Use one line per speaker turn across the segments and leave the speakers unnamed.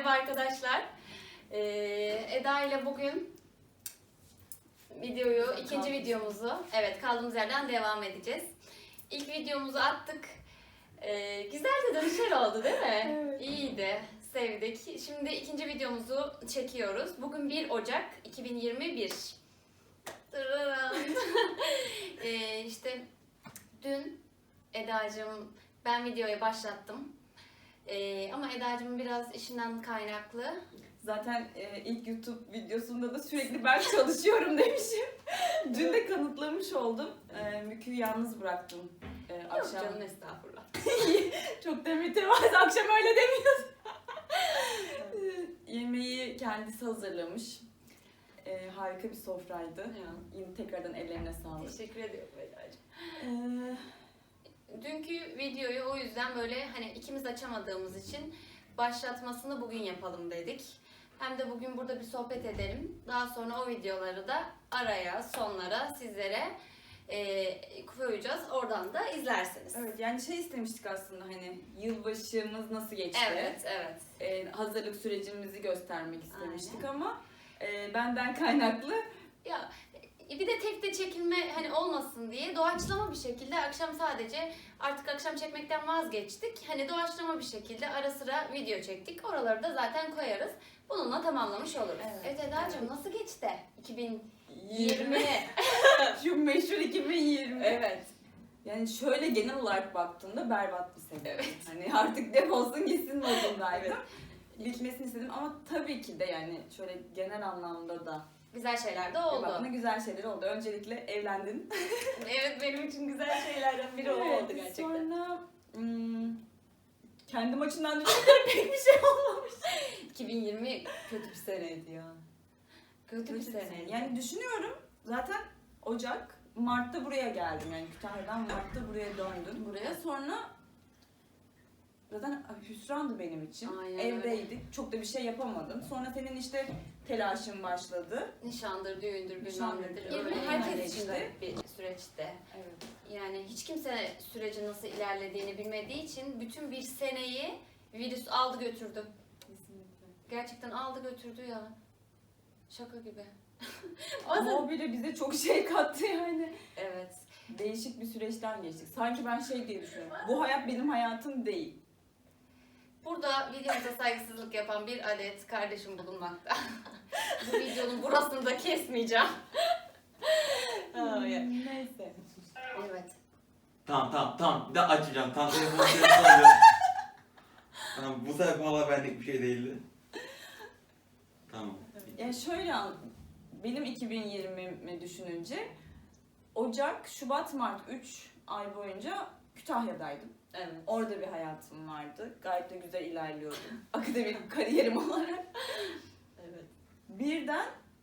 Merhaba arkadaşlar. Eda ile bugün ikinci videomuzu, kaldığımız yerden devam edeceğiz. İlk videomuzu attık. Güzel de dönüşler oldu değil mi?
Evet.
İyiydi, sevdik. Şimdi ikinci videomuzu çekiyoruz. Bugün 1 Ocak 2021. İşte dün Eda'cığım ben videoyu başlattım. Ama Eda'cığım biraz işinden kaynaklı.
Zaten ilk YouTube videosunda da sürekli ben çalışıyorum demişim. Dün de kanıtlamış oldum. Mükü'yü yalnız bıraktım akşam.
Yok canım, estağfurullah.
Çok da mütevazı, akşam öyle demiyorsun. Yemeği kendisi hazırlamış. Harika bir sofraydı.
Ya.
Yine tekrardan ellerine sağlık.
Teşekkür ediyorum Eda'cığım.
Ee,
Dünkü videoyu o yüzden böyle hani ikimiz açamadığımız için başlatmasını bugün yapalım dedik. Hem de bugün burada bir sohbet edelim. Daha sonra o videoları da araya, sonlara sizlere koyacağız. Oradan da izlersiniz.
evet, yani şey istemiştik aslında, hani yılbaşımız nasıl geçti?
Evet.
Hazırlık sürecimizi göstermek istemiştik. Aynen. Ama benden kaynaklı.
Ya bir de tek de çekilme hani olmasın diye doğaçlama bir şekilde akşam sadece artık akşam çekmekten vazgeçtik. Hani doğaçlama bir şekilde ara sıra video çektik. Oraları da zaten koyarız. Bununla tamamlamış oluruz. Evet Eda'cığım,
evet.
Nasıl geçti 2020?
Şu meşhur 2020.
Evet.
Yani şöyle genel olarak baktığımda berbat bir sene.
Evet.
Hani artık defolsun gitsin modundaydım. Bitmesini istedim ama tabii ki de yani şöyle genel anlamda da
Güzel şeyler de oldu.
baktığımda güzel şeyler oldu. Öncelikle evlendin.
Evet, benim için güzel şeylerden biri o oldu gerçekten.
Sonra kendim açımdan düşününce pek bir şey olmamış.
2020 kötü bir seneydi ya. Kötü bir seneydi.
Yani düşünüyorum, zaten Mart'ta buraya geldim, yani Kütahya'dan Mart'ta buraya döndüm.
Buraya.
Sonra zaten hüsrandı benim için.
Aynen
Evdeydik,
öyle.
çok da bir şey yapamadım. Sonra senin işte telaşın başladı.
Nişandır, düğündür, bilmem
Nişandır,
nedir.
öyle
Yani herkes için
işte.
bir süreçte.
Evet.
Yani hiç kimse sürecin nasıl ilerlediğini bilmediği için bütün bir seneyi virüs aldı götürdü.
Kesinlikle.
Gerçekten aldı götürdü ya. Şaka gibi.
Ama o bile bize çok şey kattı yani.
Evet.
Değişik bir süreçten geçtik. Sanki ben şey diye düşünüyorum. Bu hayat benim hayatım değil.
Burada videomuza saygısızlık yapan bir adet kardeşim bulunmakta. Bu videonun burasını da kesmeyeceğim.
Neyse.
Evet.
Tamam. Bir daha açacağım. Tam telefonu alıyorum. Tamam, bu sefer valla benlik bir şey değildi. Tamam.
Yani şöyle benim 2020'mi düşününce Ocak, Şubat, Mart 3 ay boyunca Kütahya'daydım.
Evet.
Orada bir hayatım vardı. Gayet de güzel ilerliyordum. Akademik kariyerim olarak.
Evet.
Birden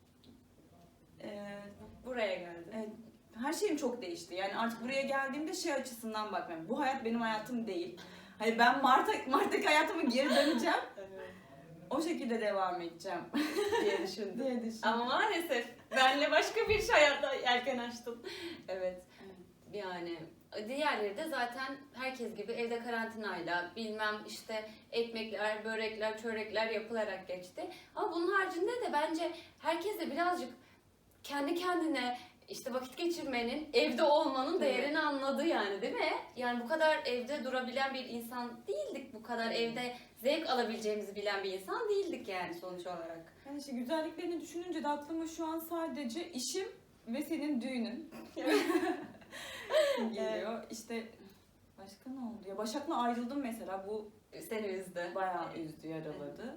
Buraya geldi.
evet, her şeyim çok değişti. Yani artık buraya geldiğimde şey açısından bakmıyorum. Bu hayat benim hayatım değil. Hani ben Mart'taki hayatıma geri döneceğim.
Evet.
O şekilde devam edeceğim
diye düşündüm.
diye düşündüm.
Ama maalesef benle başka bir hayatta yelken açtım. Evet. Yani diğerleri de zaten herkes gibi evde karantinayla bilmem işte ekmekler, börekler, çörekler yapılarak geçti. Ama bunun haricinde de bence herkes de birazcık kendi kendine işte vakit geçirmenin, evde olmanın değerini anladı yani, değil mi? Yani bu kadar evde durabilen bir insan değildik. Bu kadar evde zevk alabileceğimizi bilen bir insan değildik yani sonuç olarak.
Yani işte güzelliklerini düşününce de aklıma şu an sadece işim ve senin düğünün geliyor. İşte başka ne oldu? Ya Başak'la ayrıldım mesela, bu
Seni üzdü.
bayağı üzdü, yaraladı.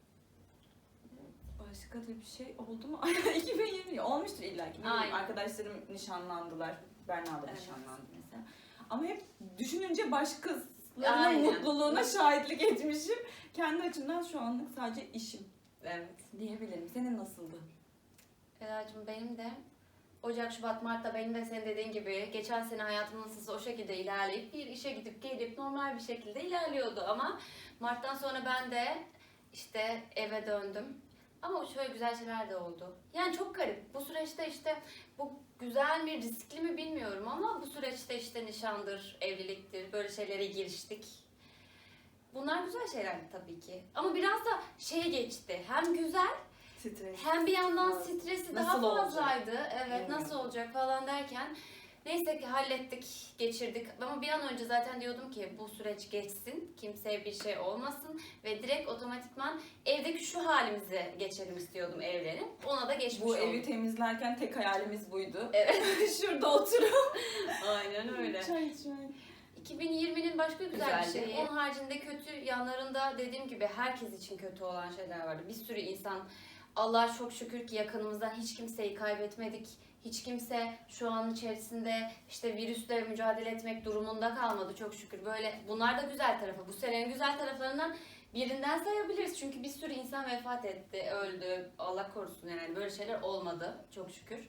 Başka da bir şey oldu mu? 2020 olmuştur illa ki.
Aynen.
Arkadaşlarım nişanlandılar. Berna da
Evet.
nişanlandı mesela. Ama hep düşününce başkasının
Aynen.
mutluluğuna şahitlik etmişim. Kendi açımdan şu anlık sadece işim
Evet.
diyebilirim. Senin nasıldı?
Eda'cığım benim de Ocak, Şubat, Mart'ta benim de senin dediğin gibi geçen sene hayatım nasılsa o şekilde ilerleyip bir işe gidip gelip normal bir şekilde ilerliyordu ama Mart'tan sonra ben de işte eve döndüm. Ama şöyle güzel şeyler de oldu. Yani çok garip. Bu süreçte işte bu güzel mi, riskli mi bilmiyorum ama bu süreçte işte nişandır, evliliktir, böyle şeylere giriştik. Bunlar güzel şeylerdi tabii ki. Ama biraz da şey geçti. Hem güzel
Stres.
hem bir yandan
Evet.
stresi
Nasıl
daha
olacak?
fazlaydı. Evet,
Evet.
nasıl olacak falan derken neyse ki hallettik, geçirdik. Ama bir an önce zaten diyordum ki bu süreç geçsin, kimseye bir şey olmasın ve direkt otomatikman evdeki şu halimize geçelim istiyordum evlenip. Ona da geçmiş
Bu
olduk.
evi temizlerken tek hayalimiz buydu.
Evet.
Şurada oturup
Aynen öyle.
çay içmek.
2020'nin başka güzel bir
Güzeldi.
şeyi. Onun haricinde kötü yanlarında dediğim gibi herkes için kötü olan şeyler vardı. Bir sürü insan, Allah'a çok şükür ki yakınımızdan hiç kimseyi kaybetmedik. Hiç kimse şu an içerisinde işte virüsle mücadele etmek durumunda kalmadı çok şükür. Böyle bunlar da güzel tarafı. Bu senenin güzel taraflarından birinden sayabiliriz. Çünkü bir sürü insan vefat etti, öldü. Allah korusun yani böyle şeyler olmadı çok şükür.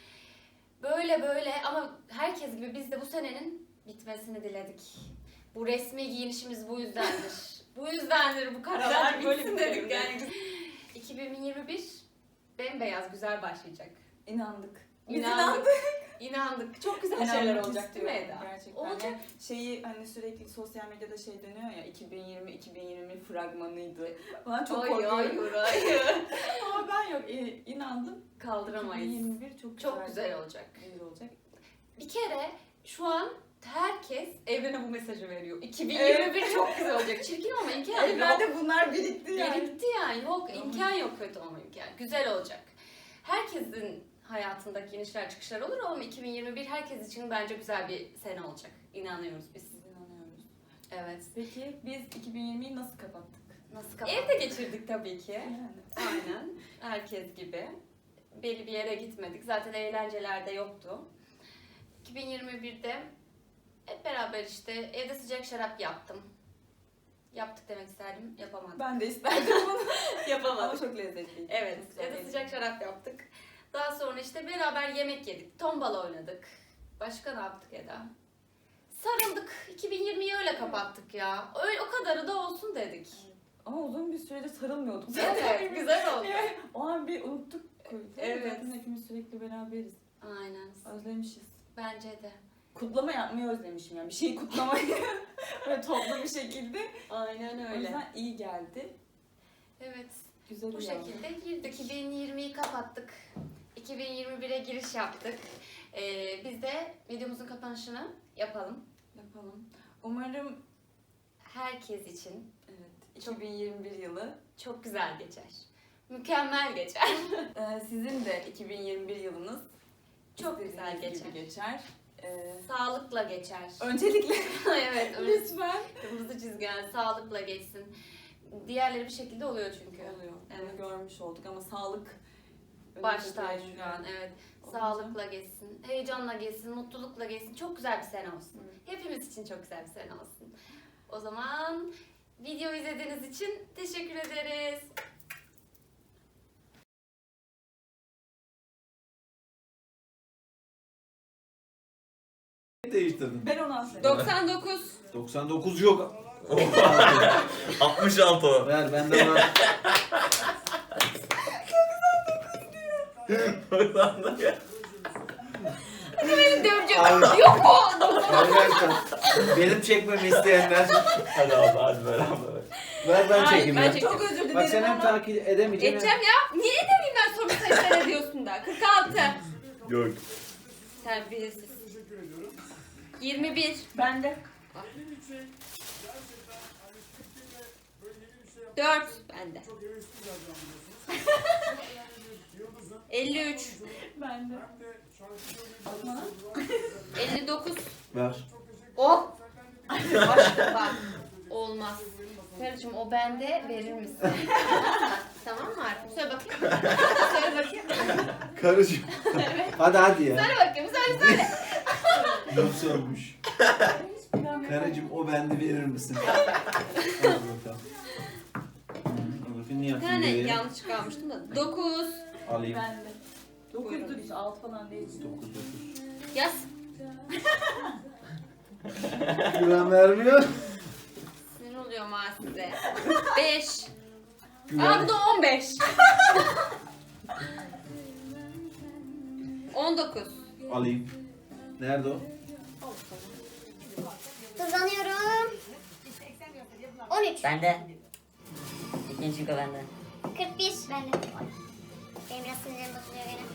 Böyle ama herkes gibi biz de bu senenin bitmesini diledik. Bu resmi giyinişimiz bu yüzdendir. Bu yüzdendir bu karalar
Böyle
bitsin
bir
dedik
şey
yani. 2021 bembeyaz güzel başlayacak.
İnandık. Biz
İnandık. İnandık. Çok güzel şeyler
İnanmak
olacak değil mi
istiyorum
Eda?
gerçekten.
Olacak.
Yani şeyi hani sürekli sosyal medyada şey dönüyor ya 2020 fragmanıydı. Falan çok korkuyorum.
Hayır.
Ama ben yok inandım.
Kaldıramayız.
2021 çok
Çok güzel olacak.
Güzel olacak.
Bir kere şu an herkes evrene bu mesajı veriyor. 2021 çok güzel olacak. Çirkin olma imkan yok.
Evlerde bunlar birikti yani.
Birikti yani. Yok imkan yok kötü olma imkan. Güzel olacak. Herkesin hayatındaki inişler çıkışlar olur ama 2021 herkes için bence güzel bir sene olacak. İnanıyoruz biz.
Biz inanıyoruz.
Evet.
Peki biz 2020'yi nasıl kapattık?
Nasıl kapattık? Evde geçirdik tabii ki.
Yani.
Aynen. Herkes gibi. Belli bir yere gitmedik. Zaten eğlenceler de yoktu. 2021'de hep beraber işte evde sıcak şarap yaptım. Yaptık demek isterdim. Yapamadım.
Ben de isterdim bunu. Ama
Yapamadım.
çok lezzetliydi.
Evet.
Çok güzel
Evde
yedim.
sıcak şarap yaptık. Daha sonra işte beraber yemek yedik. Tombala oynadık. Başka ne yaptık Eda? Sarıldık. 2020'yi öyle kapattık ya. Öyle, o kadarı da olsun dedik.
Ama uzun bir süredir sarılmıyorduk.
Evet, güzel oldu.
Yani o an bir unuttuk.
Evet.
Zaten hepimiz sürekli beraberiz.
Aynen.
Özlemişiz.
Bence de.
Kutlama yapmayı özlemişim yani. Bir şeyi kutlamayı böyle toplu bir şekilde.
Aynen
O
öyle.
yüzden iyi geldi.
Evet.
Güzel
Bu
oldu.
şekilde girdik. 2020'yi kapattık. 2021'e giriş yaptık. Biz de videomuzun kapanışını yapalım.
Yapalım. Umarım
Herkes için
evet 2021 yılı
çok güzel geçer. Mükemmel geçer.
sizin de 2021 yılınız
Çok
istediğiniz
güzel
gibi geçer.
Sağlıkla geçer.
Öncelikle
Evet,
lütfen.
kırmızı çizgen sağlıkla geçsin. Diğerleri bir şekilde oluyor çünkü.
Oluyor.
Evet.
Bunu görmüş olduk ama sağlık
Baş
önemli
tacı
değil.
şu an, evet.
Olunca-
Sağlıkla geçsin, heyecanla geçsin, mutlulukla geçsin. Çok güzel bir sene olsun.
Hı.
Hepimiz için çok güzel bir sene olsun. O zaman video izlediğiniz için teşekkür ederiz.
Değiştirdim.
Ben onu anladım.
99.
99 yok.
66 o.
Ver bende var.
Dövecek.
Abi.
Yok o.
Arkadaşlar benim çekmemi isteyenler
Hadi abi hadi beraber.
ver ben
Hayır,
çekeyim
ben
ya.
çekeyim.
Çok özür dilerim
Bak sen hem
ama
takip edemeyeceğim.
Edeceğim ya. Niye edemeyeyim ben soru sayısını ediyorsun da? 46.
Yok.
Terbiyesiz. 21.
ben de
4. Bende. 53.
ben de.
59.
Ver.
Oh. Başka bak. Olmaz. Karıcığım o bende verir misin? Tamam mı Arif? Söyle bakayım. Söyle bakayım.
Karıcığım. Hadi ya.
Söyle bakayım. Söyle.
Nasıl olmuş? Karıcığım o bende verir misin? Hadi bakalım. Bakın niye
Bir
yapayım
tane
diye.
yanlış kalmıştım da. 9.
Alayım.
Ben de. 9'dur biz 6 falan değil.
9.
Yaz.
Güven vermiyor.
Sinir oluyorum ha size. 5. Aa
Güven.
bu da 15. 19.
Alayım. Nerede o?
Kazanıyorum. 13.
Bende. İkinci şıkkı bende.
41. Bende. Benim biraz sinirim bozuluyor gene.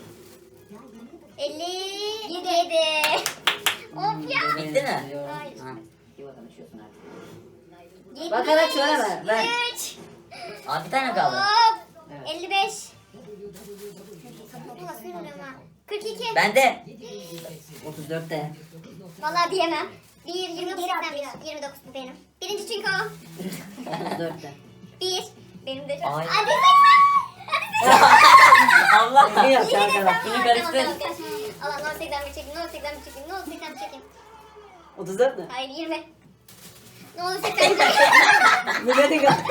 57. Of ya.
Bitti mi?
Hayır.
Ha. Bir bakalım içiyorsun artık.
73.
Bakarak söyleme, ben.
3.
Aa bir tane kaldı.
Hop.
Evet.
55. Bu nasıl bilmiyorum ha. 42.
Bende. 34'te.
Vallahi diyemem. 1, 29 bu benim. Birinci çünkü o.
34'te.
1. Benim de.
Ay.
Hadi
Allah ne yapacak
Yine de
arkadaş?
sen
Bunu
var,
karıştır.
tamam. Allah no 80 bir çekeyim, no 80 bir çekeyim, no 80 bir çekeyim.
34 mü?
Hayır 20. Ne olur 80 bir çekeyim.
Bu benim ya.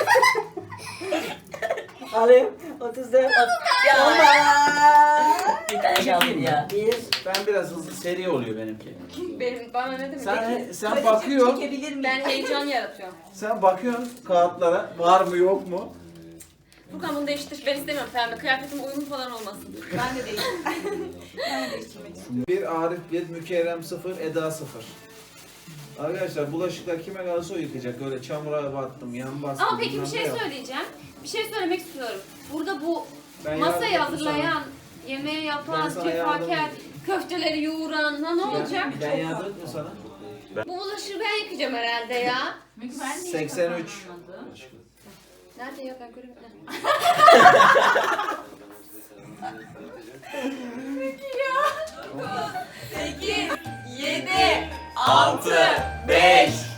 Alayım. 34. Ya. Bir tane kaldı ya.
Ben biraz hızlı seri oluyor benimki.
Bana ne demek?
Sen bakıyorsun,
Ben heyecan yaratıyorum.
sen bakıyorsun kağıtlara var mı yok mu?
Furkan bunu değiştir. Ben istemiyorum pembe. Kıyafetim uyumlu falan olmasın.
Ben de değiştirmek. Ben de değiştirmek istiyorum.
Bir Arif 1, Mükerrem 0, Eda 0. Arkadaşlar bulaşıklar kime kalırsa o yıkayacak. Öyle çamura battım, yan bastım.
Ama peki bir
bilmem
şey
ne yok.
söyleyeceğim. Bir şey söylemek istiyorum. Burada bu
Ben
masayı
yardım
hazırlayan, yemeği
Ben
yapan,
sana yardım
cefaker,
edeyim.
köfteleri yoğuran ne olacak?
Ben yardım ettim sana.
Bu bulaşığı ben yıkayacağım herhalde ya.
83.
Nerede ya ben göremiyorum. 8, 7,
6, 5,